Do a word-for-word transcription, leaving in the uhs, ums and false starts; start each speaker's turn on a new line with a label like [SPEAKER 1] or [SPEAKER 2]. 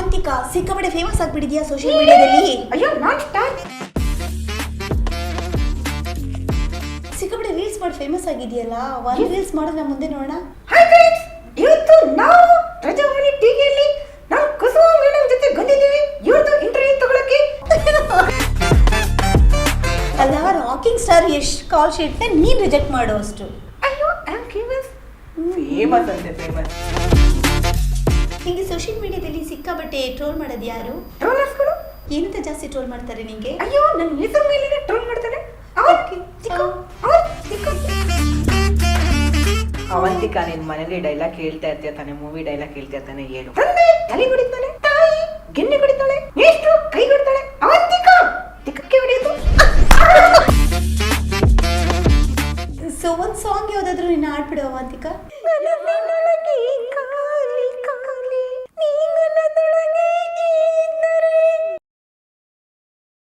[SPEAKER 1] ಅವಂತಿಕಾ ಸಿಕ್ಕಾಪಟ್ಟೆ famous ಆಗ್ಬಿಟ್ಟಿದ್ಯಾ social ಮೀಡಿಯಾದಲ್ಲಿ.
[SPEAKER 2] ಅಯ್ಯೋ ನಾನ್ ಸ್ಟಾರ್.
[SPEAKER 1] ಸಿಕ್ಕಾಪಟ್ಟೆ ರೀಲ್ಸ್ ಮಾಡಿ ಫೇಮಸ್ ಆಗಿದೆಯಲ್ಲ, ಒಂದು ರೀಲ್ಸ್ ಮಾಡೋದು ಮುಂದೆ ನೋಡೋಣ.
[SPEAKER 2] ಹಾಯ್ ಫ್ರೆಂಡ್ಸ್, ಇವತ್ತು ನಾವು ಪ್ರಜಾವಾಣಿ ಟಿವಿಯಲ್ಲಿ ನಾವು ಕುಸುಮ ಮೇಡಮ್ ಜೊತೆ ಬಂದಿದ್ದೀವಿ ಇವತ್ತು ಇಂಟರ್ವ್ಯೂ ತಗೊಳಕ್ಕೆ.
[SPEAKER 1] ಅಲ್ಲ, ರಾಕಿಂಗ್ ಸ್ಟಾರ್ ಯಶ್ ಕಾಲ್ ಶೀಟ್ನ ನೀನ್ ರಿಜೆಕ್ಟ್ ಮಾಡೋ ಅಷ್ಟು.
[SPEAKER 2] ಅಯ್ಯೋ ಐ ಆಮ್ ಫೇಮಸ್. ಫೇಮಸ್ ಅಂತೆ ಫೇಮಸ್.
[SPEAKER 1] ನಿಂಗೆ ಸೋಷಿಯಲ್ ಮೀಡಿಯಾದಲ್ಲಿ ಸಿಕ್ಕಾಪಟ್ಟೆ ಟ್ರೋಲ್ ಮಾಡೋದು ಯಾರು?
[SPEAKER 2] ಟ್ರೋಲರ್ಸ್ಗಳು.
[SPEAKER 1] ಏನಂತ ಜಾಸ್ತಿ ಟ್ರೋಲ್ ಮಾಡ್ತಾರೆ ನಿಂಗೆ?
[SPEAKER 2] ಅಯ್ಯೋ ನನ್ನ ಹೆಸರು ಮೇಲೆ ಟ್ರೋಲ್ ಮಾಡ್ತಾರೆ.
[SPEAKER 3] ಅವಂತಿಕಾ, ನಿನ್ ಮನೇಲಿ ಡೈಲಾಗ್ ಕೇಳ್ತಾ ಇರ್ತೀಯ ತಾನೆ, ಮೂವಿ ಡೈಲಾಗ್ ಕೇಳ್ತಾ ಇರ್ತಾನೆ, ಏನು?
[SPEAKER 2] ತಂದೆ ತಲೆ ಹೊಡಿತಾಳೆ, ತಾಯಿ ಗೆನ್ನೆ ಹೊಡಿತಾಳೆ, ಎಷ್ಟು ಕೈ ಹೊಡಿತಾಳೆ, ಅವಂತಿಕಾ ತಿಕ್ಕಕ್ಕೆ ಹೊಡೆಯೋದು.
[SPEAKER 1] ಸೊ ಒಂದ್ ಸಾಂಗ್ ಯಾವ್ದಾದ್ರು ನಿನ್ನ ಆಡ್ಬಿಡು ಅವಂತಿಕಾ.